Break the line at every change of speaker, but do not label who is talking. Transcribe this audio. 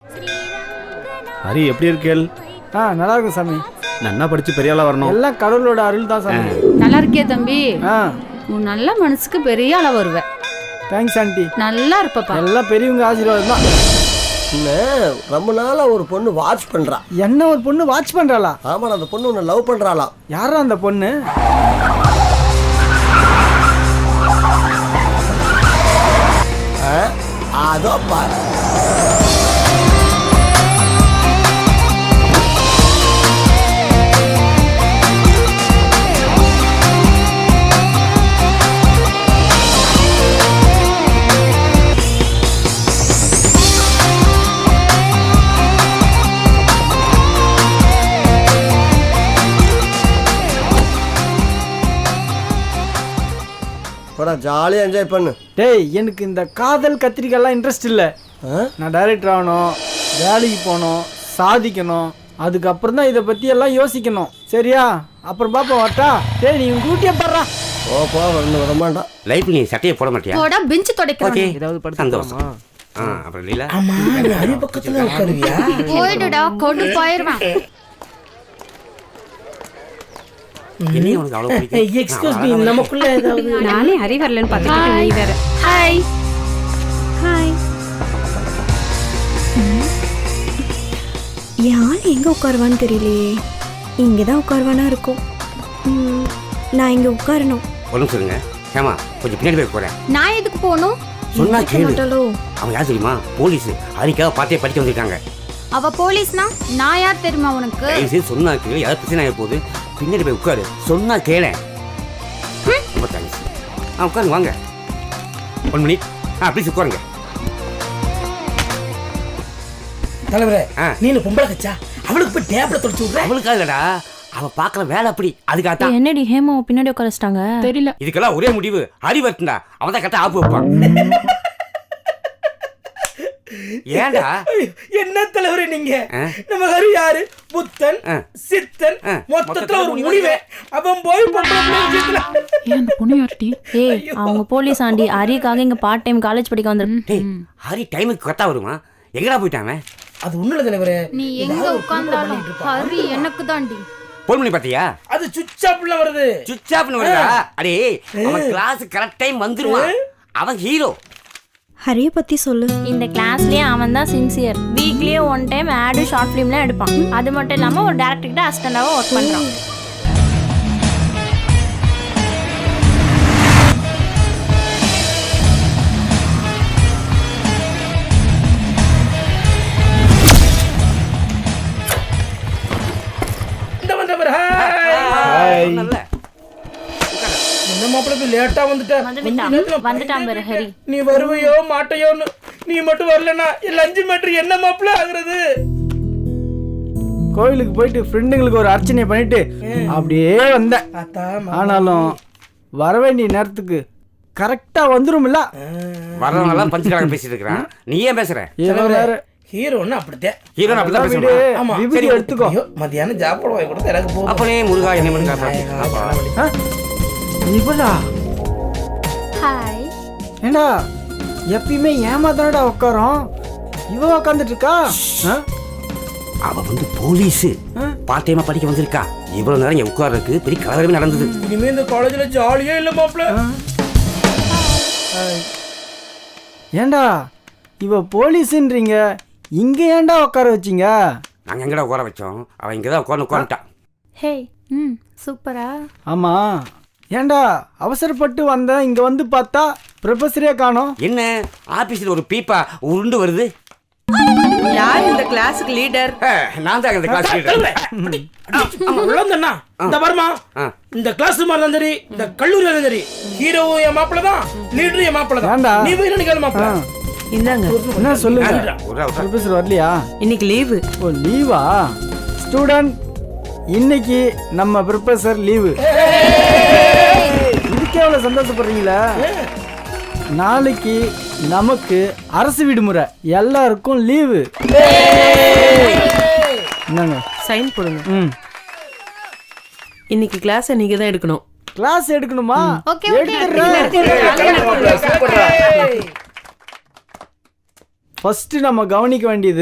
ஹரி எப்படி இருக்கேள்?
நல்லா இருக்கும் சாமி.
நன்னா படிச்சு பெரிய ஆளா வரணும்.
எல்லாம் கடவுளோட அருள் தான் சாமி.
நல்லா இருக்கே தம்பி. உன் நல்ல மனசுக்கு பெரிய ஆளா வருவ.
Thanks aunty.
நல்லா இருப்பப்பா.
எல்லாம் பெரியவங்க ஆசீர்வாதம் தான்.
ரொம்ப நாளா ஒரு பொண்ணு வாட்ச் பண்றா.
என்ன ஒரு பொண்ணு வாட்ச் பண்றாளா?
ஆமா, அந்த பொண்ணு உன்னை லவ் பண்றாளா?
யாரா அந்த பொண்ணு?
அதோ பாரு. ஜாலியாக என்ஜாய் பண்ணு.
டேய், எனக்கு இந்த காதல் கத்திரிக்காய்லாம் இன்ட்ரெஸ்ட் இல்லை. நான் டைரக்டர் ஆகணும், வேலைக்கு போகணும், சாதிக்கணும். அதுக்கப்புறம் தான் இதை பற்றி எல்லாம் யோசிக்கணும். சரியா? அப்புறம் பாப்பா வரட்டா? டேய், நீ கூட்டியே பாடுறா.
ஓப்பா வரணும் வரமாட்டா.
லைஃப் நீ சட்டையை போட மாட்டியா?
போடா பெஞ்ச் துடைக்கறேன்.
ஏதாவது படுத்து
சந்தோஷம். அப்புறம் லீலா
அம்மா, நீ அடி பக்கத்துல உட்காருவியா?
போய்டுடா, கொண்டு போயிடுவேன்.
என்ன உனக்கு அவ்வளவு பிடிக்கும்?
எக்ஸ்கியூஸ் மீ, நமக்குள்ள ஏதாவது
நானே ஹரி வரலன்னு பார்த்துட்டு நீ வேற.
Hi
hi. யார் எங்கே உட்காருவான்னு தெரியலையே. இங்கே தான் உட்காருவானா இருக்கும். நான் இங்கே உட்காரணும்.
ஒன்றும் சொல்லுங்க. ஏமா கொஞ்சம் பின்னாடி போய் போறேன்.
நான் எதுக்கு போகணும்?
சொன்னா கேளு.
மாட்டாளோ?
அவங்க யார் தெரியுமா? போலீஸ். அதுக்காக பார்த்தே படிக்க வந்திருக்காங்க.
அவ போலீஸ்னா நான் யார் தெரியுமா உனக்கு?
தயவுசெய்து சொன்னா கேளு. யாராவது பிரச்சனை ஆகிற போது பின்னாடி போய் உட்காரு. சொன்னா கேள. ரொம்ப தேங்க்ஸ். உட்காருங்க வாங்க. 1 மினிட். ப்ளீஸ் உட்காருங்க.
தலைவரே, நீ பொம்பளை கச்சா அவளுக்கு போய் டேப்ல தொடச்சு விடுற.
அவளுக்காக இல்லடா, அவ பாக்குற வேலை அப்படி. அதுக்காக
என்னடி ஹேமாவை பின்னாடி உட்காரச்சிட்டாங்க?
தெரியல.
இதுக்கெல்லாம் ஒரே முடிவு ஹரி வரட்டுண்டா. அவன் தான் கரெக்டா ஆப்பு வைப்பான். ஏண்டா
என்ன தலைவரே நீங்க? நம்ம ஹரி யாரு? புத்தன் சித்தன், மொத்தத்துல ஒரு முடிவே. அவன் போய்
அவங்க போலீஸ் ஆண்டி ஹரிக்காக இங்க பார்ட் டைம் காலேஜ் படிக்க வந்திருக்கு.
ஹரி டைமுக்கு கரெக்டா வருமா? எங்கடா போயிட்டாங்க?
அது ஒண்ணு இல்ல தலைவரே,
நீ எங்க உட்கார்ந்தாலும் ஹரி எனக்கு தாண்டி.
போன் பண்ணி பாத்தியா?
அது சுவிட்ச் ஆஃப்ல வருது.
சுவிட்ச் ஆஃப்னு வருதா? அடே, அவன் கிளாஸ் கரெக்ட் டைம் வந்துருவான். அவன் ஹீரோ.
ஹரிய பத்தி சொல்லு. இந்த கிளாஸ்லயே அவன் தான் சின்சியர். வீக்லியே 1 டைம் ஆடு ஷார்ட் ஃபிலிம்லாம் எடுப்பான். அது மட்டும் இல்லாம ஒரு டைரக்டர் கிட்ட அசிஸ்டண்டாவும் ஒர்க் பண்றான்.
என்ன மாப்பிள்ளை லேட்டா
வந்துட்டான் பாரு ஹரி.
நீ வருவையோ மாட்டையோன்னு. நீ மட்டும் வரலன்னா 5 மீட்டர் என்ன மாப்பிள்ளை ஆகுறது?
கோயிலுக்கு போயிட்டு ஃப்ரெண்டுங்களுக்கு ஒரு அர்ச்சனை பண்ணிட்டு அப்படியே வந்தேன். ஆனாலும் வர வேண்டிய நேரத்துக்கு கரெக்டா வந்துரும்ல.
வரவங்கலாம் பஞ்சுக்காரங்க பேசிட்டு இருக்கிறான். நீ ஏன் பேசுற?
ஹீரோன்னு அப்படித்தான்.
ஹீரோன்னு அப்படிதான் பேசுவான்.
விபூதி எடுத்துக்கோ.
மத்தியானம் சாப்பாடு வாங்கி கொடுத்து எனக்கு போகும்.
அப்பனே முருகா என்ன பண்ணுங்க?
இவளா?
ஹாய்.
ஏண்டா எப்பயுமே ஏமாதானடா உட்காரோம். இவ உட்காந்துட்டு இருக்கா.
அவ வந்து போலீஸ். பார்ட் டைமா படிக்க வந்திருக்கா. இவ்வளவு நேரம் என் உட்கார்றதுக்கு பெரிய கலவரமே நடந்தது.
இனிமே இந்த காலேஜ்ல ஜாலியே இல்ல மாப்பிள்ள.
ஏண்டா இவ போலீஸ்ன்றீங்க, இங்க ஏண்டா உட்கார வச்சீங்க?
நாங்க எங்கடா உட்கார வச்சோம்? அவன் இங்கதான் உட்காந்துட்டான்.
ஹே, சூப்பரா.
ஆமா, ஏண்டா அவசரப்பட்டு வந்தேன். இங்க வந்து பார்த்தா ப்ரொஃபஸரே காணோம்.
என்ன ஆபீஸ்ல ஒரு பீப்பா உருண்டு வருது?
யார் இந்த கிளாஸுக்கு லீடர்?
நான் தான் இந்த கிளாஸ் லீடர்.
இந்த வருமா இந்த கிளாஸ் மாதிரி சரி, இந்த கல்லூரி சரி, ஹீரோ என் மாப்பிள்ள தான், லீடர் என் மாப்பிள்ள தான். நீ போய் என்ன மாப்பிள்ள?
இந்தாங்க.
என்ன சொல்லுங்க? ப்ரொஃபஸர் வரலையா?
இன்னைக்கு லீவு.
ஓ, லீவா? ஸ்டூடெண்ட், இன்னைக்கு நம்ம ப்ரொஃபஸர் லீவு. இதுக்கே அவ்வளோ சந்தோஷப்படுறீங்களா? நாளைக்கு நமக்கு அரசு விடுமுறை, எல்லாருக்கும் லீவு. என்னங்க
சைன் போடுங்க. இன்னைக்கு கிளாஸ் நீங்க தான் எடுக்கணும்.
கிளாஸ் எடுக்கணுமா?
ஓகே
ஃபர்ஸ்ட் நம்ம கவனிக்க வேண்டியது